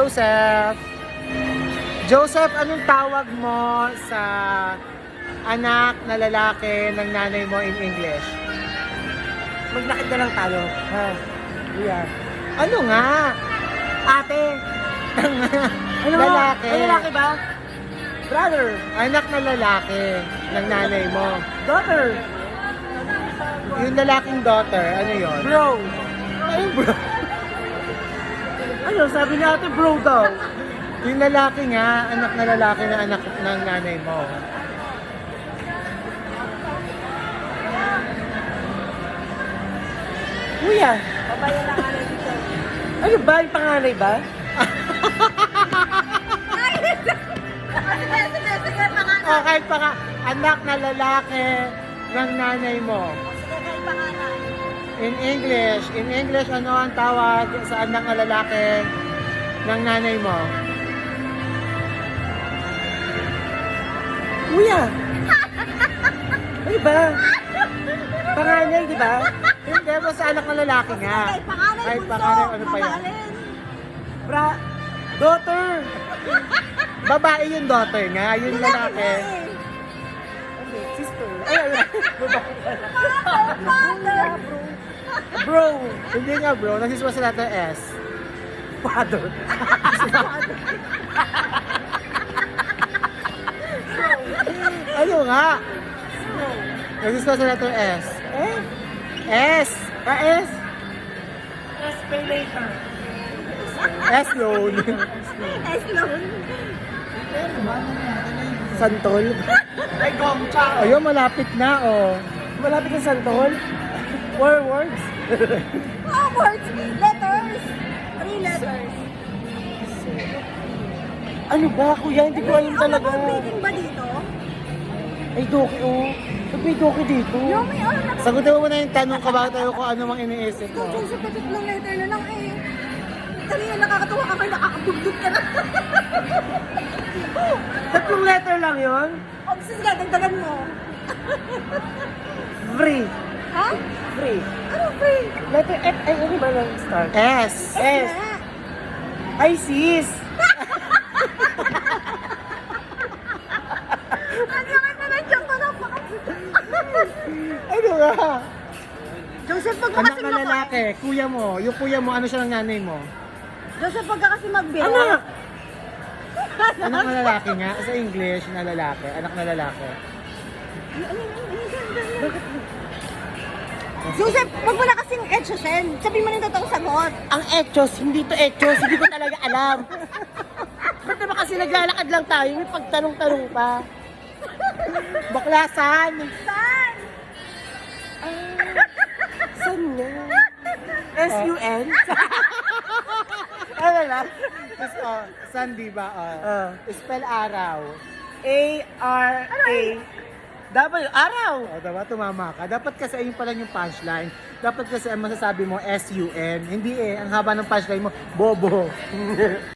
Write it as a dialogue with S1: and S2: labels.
S1: Joseph. Joseph, anong tawag mo sa anak na lalaki ng nanay mo in English?
S2: Maglakad na lang tayo. Ha? Kuya.
S1: Ano nga?
S2: Ate. Ano?
S1: Lalaki.
S2: Ay, lalaki ba? Brother.
S1: Anak na lalaki ng nanay mo.
S2: Daughter.
S1: Yung lalaking daughter, ano yon?
S2: Bro.
S1: Ay, bro.
S2: Ano, sabi ni ate bro daw.
S1: Yung lalaki nga, anak na lalaki na anak ng nanay mo.
S2: Kuya.
S3: Babayan na nga dito.
S2: Ano ba? Yung panganay ba?
S3: Sige, pangalan.
S1: O, kahit pa nga, anak na lalaki ng nanay mo.
S3: Sige, kahit pangalan.
S1: In English, ano ang tawag sa anak na lalaki ng nanay mo?
S2: Kuya. Ano ba? Panganay, di ba?
S1: Hindi, basta anak na lalaki nga.
S3: Kahit pangalan,
S1: Kahit
S3: bunso.
S1: pangalan, ano pa yan?
S3: Mamahalin.
S2: Daughter.
S1: Babae yung daughter nga, yung
S3: Lalaki
S1: lalaki.
S3: nga eh.
S2: Sister. Ay, babae.
S3: Father.
S2: Bro.
S1: Hindi nga bro, nagsiswa sa letter S.
S2: Father.
S1: Ano nga? Nagsiswa sa letter S.
S2: Eh?
S1: S!
S2: S. S pay later.
S1: S loan.
S3: Eslon.
S2: Santol. Ay, Gongcha.
S1: Ayun, malapit na oh.
S2: Malapit na Santol. Four words.
S3: Oh, words. Letters. 3 letters.
S2: Ano ba, kuya? Hindi ko alam talaga.
S3: Ang meeting ba dito?
S2: Ay, Doki, oh. Ba't may Doki dito?
S3: Yung may alam.
S1: Sagutin mo muna yung tanong ka bakit tayo kung ano mang iniisip mo.
S3: Joseph, na tatlong letter na lang eh. Kanina nakakatawa ka may nakakabugdog ka na.
S2: Tatlong letter lang yon.
S3: O, sige, dagdagan mo.
S2: Free.
S3: Ha?
S2: Free.
S3: Ano free?
S2: Letter F. Ay, ano ba lang start?
S1: S.
S2: S. Ay, sis.
S3: Ano ka na nandiyan ka na pa?
S1: Ano nga?
S3: Joseph, pag
S1: Anak
S3: kasi
S1: na lalaki, kuya mo. Yung kuya mo, ano siya ng nanay mo?
S3: Joseph, pag kasi magbilang.
S2: Anak.
S1: Anak na lalaki nga. Sa English, na lalaki. Anak na lalaki.
S3: Joseph, wag mo na kasing etchosen. Sabihin mo na yung totoong sagot.
S2: Ang echos, hindi to echos. Hindi ko talaga alam. Ba't naman kasi naglalakad lang tayo? May pagtanong-tanong pa.
S1: Baklasan!
S3: Saan?
S2: Saan nga? S-U-N?
S1: Ano lang? Tapos, sun, di ba? Spell araw.
S2: A-R-A. W, araw.
S1: O, diba? Tumama ka. Dapat kasi ayun pala yung punchline. Dapat kasi ang masasabi mo, S-U-N. Hindi eh. Ang haba ng punchline mo, bobo.